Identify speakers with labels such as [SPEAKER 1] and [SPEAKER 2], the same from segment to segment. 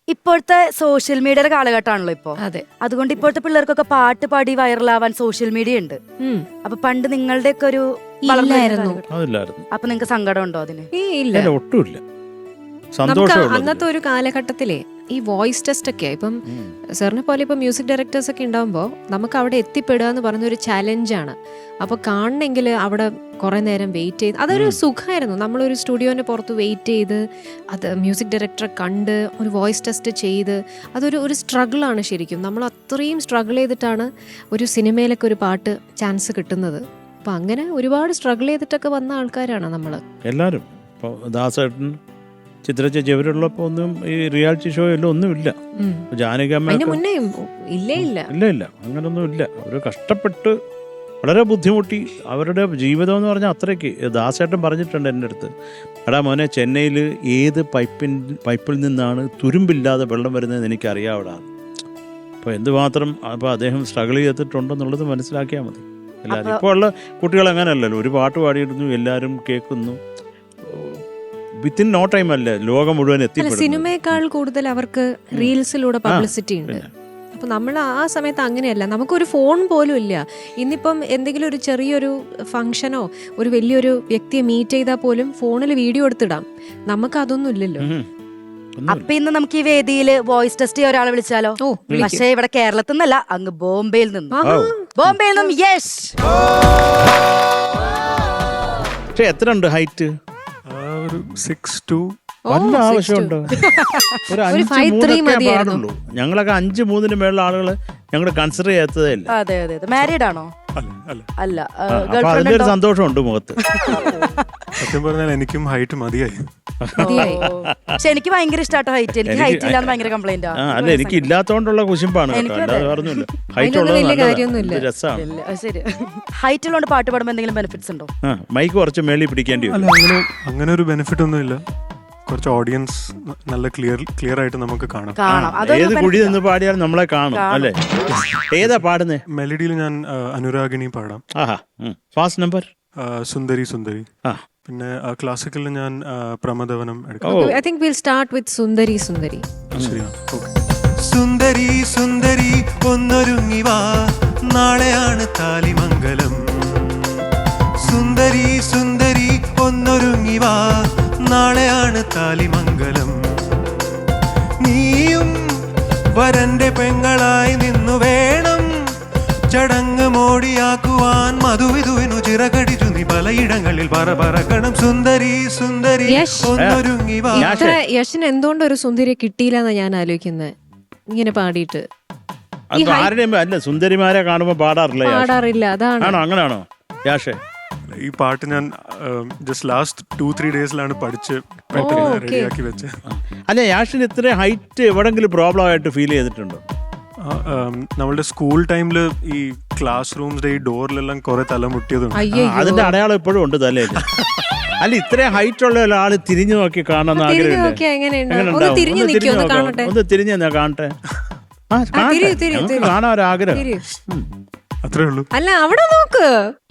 [SPEAKER 1] ഇപ്പോഴത്തെ സോഷ്യൽ മീഡിയയുടെ കാലഘട്ടമാണല്ലോ ഇപ്പൊ.
[SPEAKER 2] അതെ.
[SPEAKER 1] അതുകൊണ്ട് ഇപ്പോഴത്തെ പിള്ളേർക്കൊക്കെ പാട്ട് പാടി വൈറലാവാൻ സോഷ്യൽ മീഡിയ ഉണ്ട്. അപ്പൊ പണ്ട് നിങ്ങളുടെ ഒക്കെ ഒരു
[SPEAKER 2] ഇല്ലായിരുന്നു.
[SPEAKER 1] അപ്പൊ നിങ്ങക്ക് സങ്കടം ഉണ്ടോ അതിന്?
[SPEAKER 2] ഇല്ല,
[SPEAKER 3] ഒട്ടുമില്ല.
[SPEAKER 2] നമുക്ക് അന്നത്തെ ഒരു കാലഘട്ടത്തിലെ ഈ വോയിസ് ടെസ്റ്റ് ഒക്കെ ഇപ്പം സാറിനെ പോലെ ഇപ്പം മ്യൂസിക് ഡയറക്ടേഴ്സ് ഒക്കെ ഉണ്ടാകുമ്പോൾ നമുക്ക് അവിടെ എത്തിപ്പെടുക എന്ന് പറഞ്ഞൊരു ചാലഞ്ചാണ്. അപ്പോൾ കാണണമെങ്കിൽ അവിടെ കുറേ നേരം വെയിറ്റ് ചെയ്ത് അതൊരു സുഖമായിരുന്നു. നമ്മളൊരു സ്റ്റുഡിയോൻ്റെ പുറത്ത് വെയിറ്റ് ചെയ്ത് അത് മ്യൂസിക് ഡയറക്ടറെ കണ്ട് ഒരു വോയിസ് ടെസ്റ്റ് ചെയ്ത് അതൊരു സ്ട്രഗിളാണ് ശരിക്കും. നമ്മൾ അത്രയും സ്ട്രഗിൾ ചെയ്തിട്ടാണ് ഒരു സിനിമയിലൊക്കെ ഒരു പാട്ട് ചാൻസ് കിട്ടുന്നത്. അപ്പം അങ്ങനെ ഒരുപാട് സ്ട്രഗിൾ ചെയ്തിട്ടൊക്കെ വന്ന ആൾക്കാരാണ് നമ്മൾ
[SPEAKER 3] എല്ലാവരും. ഇപ്പോൾ ദാസേട്ടൻ, ചിത്ര ചേച്ചി ഇവരുള്ളപ്പോൾ ഒന്നും ഈ റിയാലിറ്റി ഷോ എല്ലാം ഒന്നുമില്ല. ജാനകിയമ്മ
[SPEAKER 2] ഇല്ല
[SPEAKER 3] അങ്ങനൊന്നും ഇല്ല. അവർ കഷ്ടപ്പെട്ട് വളരെ ബുദ്ധിമുട്ടി അവരുടെ ജീവിതം എന്ന് പറഞ്ഞാൽ അത്രയ്ക്ക്. ദാസേട്ടൻ പറഞ്ഞിട്ടുണ്ട് എൻ്റെ അടുത്ത്, എടാ മോനെ, ചെന്നൈയിൽ ഏത് പൈപ്പിൽ നിന്നാണ് തുരുമ്പില്ലാതെ വെള്ളം വരുന്നതെന്ന് എനിക്കറിയാവിടാ. അപ്പോൾ എന്തുമാത്രം അപ്പോൾ അദ്ദേഹം സ്ട്രഗിൾ ചെയ്തിട്ടുണ്ടെന്നുള്ളത് മനസ്സിലാക്കിയാൽ മതി. എല്ലാവരും ഇപ്പോൾ ഉള്ള കുട്ടികൾ അങ്ങനെയല്ലല്ലോ. ഒരു പാട്ട് പാടിയിരുന്നു, എല്ലാവരും കേൾക്കുന്നു. വിത്തിൻ നോ ടൈം അല്ലേ ലോകം മുഴുവൻ എത്തിപ്പെടും.
[SPEAKER 2] സിനിമയേക്കാൾ കൂടുതൽ അവർക്ക് റീൽസിലൂടെ പബ്ലിസിറ്റി ഉണ്ട്. അപ്പൊ നമ്മൾ ആ സമയത്ത് അങ്ങനെയല്ല, നമുക്കൊരു ഫോൺ പോലും ഇല്ല. ഇന്നിപ്പം എന്തെങ്കിലും ഒരു ചെറിയൊരു ഫംഗ്ഷനോ ഒരു വലിയൊരു വ്യക്തിയെ മീറ്റ് ചെയ്താൽ പോലും ഫോണിൽ വീഡിയോ എടുത്തിടാം. നമുക്ക് അതൊന്നും ഇല്ലല്ലോ.
[SPEAKER 1] അപ്പൊ ഇന്ന് നമുക്ക് ഈ വേദിയിൽ വോയിസ് ടെസ്റ്റ് ചെയ്യാൻ ഒരാളെ വിളിച്ചാലോ? പക്ഷേ ഇവിടെ കേരളത്തിൽ നിന്നല്ല, അങ്ങ് ബോംബെയിൽ നിന്നും. യെസ്.
[SPEAKER 3] പക്ഷെ എത്ര ഉണ്ട് ഹൈറ്റ്?
[SPEAKER 4] 6'2".
[SPEAKER 3] വല്ല ആവശ്യമുണ്ടോ? ഒരു 5'3" പാടുള്ളൂ. ഞങ്ങളൊക്കെ 5'3" മേലുള്ള ആളുകള് ഞങ്ങൾ കൺസിഡർ ചെയ്യാത്തതേ ഇല്ല.
[SPEAKER 1] അതെ. മാരീഡ് ആണോ? അല്ല.
[SPEAKER 3] അതിന്റെ ഒരു സന്തോഷമുണ്ട് മുഖത്ത്.
[SPEAKER 4] സത്യം പറഞ്ഞാൽ എനിക്കും ഹൈറ്റ് മതിയായി.
[SPEAKER 1] പക്ഷെ എനിക്ക് ഭയങ്കര ഇഷ്ടമാട്ടോ ഹൈറ്റ്. എനിക്ക് ഹൈറ്റ് ഇല്ലാന്ന് ഭയങ്കര കംപ്ലൈന്റ്.
[SPEAKER 3] അല്ല, എനിക്ക് ഇല്ലാത്തോണ്ടുള്ള കുശിമ്പാണ്. അല്ലാതെ പറഞ്ഞില്ല. ഹൈറ്റ് ഉള്ളത് രസമാണ്.
[SPEAKER 1] ശരി. ഹൈറ്റ് ഉള്ളതുകൊണ്ട് പാട്ട് പാടുമ്പോൾ എന്തെങ്കിലും ബെനിഫിറ്റ്സ് ഉണ്ടോ?
[SPEAKER 3] മൈക്ക് കുറച്ച് മേളിൽ പിടിക്കേണ്ടി വരും.
[SPEAKER 4] അങ്ങനെ ഒരു ബെനിഫിറ്റ് ഒന്നും ഇല്ല. കുറച്ച് ഓഡിയൻസ് നല്ല ക്ലിയർ ആയിട്ട് നമുക്ക് കാണാം.
[SPEAKER 3] ഏത് കുഴി നിന്ന് പാടിയാലും നമ്മളെ കാണും അല്ലേ? ഏതാ പാടുന്നേ?
[SPEAKER 4] മെലഡിയിൽ ഞാൻ അനുരാഗിണി പാടാം.
[SPEAKER 3] ഫാസ്റ്റ് നമ്പർ
[SPEAKER 4] സുന്ദരി. പിന്നെ ക്ലാസിക്കലിൽ ഞാൻ പ്രമദവനം എടുക്കാം.
[SPEAKER 2] I think we'll start with സുന്ദരി.
[SPEAKER 5] സുന്ദരി ഒന്നൊരുങ്ങി വാ, നാളെയാണ് താലിമംഗലം. സുന്ദരി ഒന്നൊരുങ്ങി വാ, നാളെയാണ് താലിമംഗലം. നീയും വരന്റെ പെങ്ങളായി നിന്നു വേണം ചടങ്ങ് മോടിയാക്കുവാൻ. മധുവിധുവിനു ചിറകടിച്ചു നീ പലയിടങ്ങളിൽ പറക്കണം. സുന്ദരി ഒന്നൊരുങ്ങി വാ.
[SPEAKER 2] യശിന് എന്തുകൊണ്ട് ഒരു സുന്ദരിയെ കിട്ടിയില്ലെന്നാ ഞാൻ ആലോചിക്കുന്നത് ഇങ്ങനെ പാടിയിട്ട്.
[SPEAKER 3] അല്ല, സുന്ദരിമാരെ കാണുമ്പോ പാടാറില്ല.
[SPEAKER 2] അതാണ്.
[SPEAKER 3] അങ്ങനെയാണോ യാഷേ?
[SPEAKER 4] ഈ പാട്ട് ഞാൻ ജസ്റ്റ് ലാസ്റ്റ് 2-3 ഡേയ്സിലാണ് പഠിച്ച് റെഡിയാക്കി വെച്ച്.
[SPEAKER 3] അല്ല, യാഷിന് ഇത്ര ഹൈറ്റ് എവിടെങ്കിലും പ്രോബ്ലം ആയിട്ട് ഫീൽ ചെയ്തിട്ടുണ്ടോ?
[SPEAKER 4] നമ്മളുടെ സ്കൂൾ ടൈമില് ഈ ക്ലാസ് റൂംസിന്റെ ഈ ഡോറിലെല്ലാം കുറെ തലമുട്ടിയതുണ്ട്.
[SPEAKER 3] അതിന്റെ അടയാളം ഇപ്പോഴും ഉണ്ട് തലയിൽ. അല്ല, ഇത്രയും ഹൈറ്റ് ഉള്ള ഒരാള് തിരിഞ്ഞു നോക്കി കാണാൻ ആഗ്രഹം. ഒന്ന് തിരിഞ്ഞു കാണട്ടെ. കാണാൻ ഒരാഗ്രഹം.
[SPEAKER 4] അത്രേ ഉള്ളൂ.
[SPEAKER 2] അല്ല, അവിടെ നോക്ക്.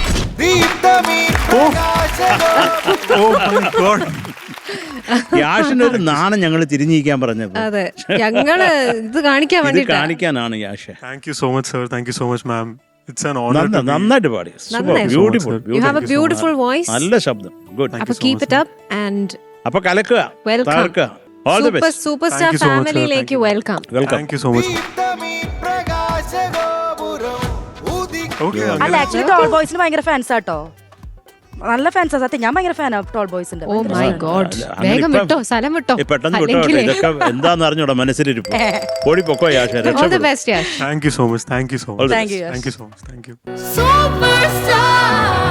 [SPEAKER 3] യാഷിനൊരു നാണം ഞങ്ങൾ തിരിഞ്ഞിരിക്കാൻ പറഞ്ഞത്.
[SPEAKER 2] അതെ, ഞങ്ങള് ഇത്
[SPEAKER 3] കാണിക്കാനാണ് Yash.
[SPEAKER 4] Thank you so much sir. Thank you so much ma'am. It's an honour.
[SPEAKER 3] നന്നായിട്ട് പാടി. Beautiful.
[SPEAKER 2] You have a beautiful voice.
[SPEAKER 3] നല്ല ശബ്ദം. ഗുഡ്.
[SPEAKER 2] അപ്പോൾ കീപ് ഇറ്റ് അപ്പ് ആൻഡ്
[SPEAKER 3] അപ്പോൾ കലക്കുക.
[SPEAKER 2] Welcome.
[SPEAKER 3] All the best.
[SPEAKER 2] Superstar ഫാമിലിയിലേക്ക് welcome.
[SPEAKER 4] Thank you so much.
[SPEAKER 1] അല്ല, actually tall ബോയ്സിന് ഭയങ്കര ഫാൻസ് ആട്ടോ. നല്ല ഫാൻസാ. സത്യം, ഞാൻ ഭയങ്കര ഫാനാ ടോൾ ബോയ്സിന്റെ.
[SPEAKER 2] Oh my god. വേഗം വിട്ടോ, സ്ഥലം വിട്ടോ.
[SPEAKER 3] പെട്ടെന്ന് വിട്ടോ. ഇതൊക്കെ എന്താന്ന് അറിഞ്ഞൂടാ മനസ്സിലിരിപ്പ്. ഓടി പൊക്കോ Yash.
[SPEAKER 2] All the best Yash.
[SPEAKER 4] Thank you so much. Thank you so much.
[SPEAKER 1] Thank you
[SPEAKER 4] so much. Thank you.
[SPEAKER 6] Superstar.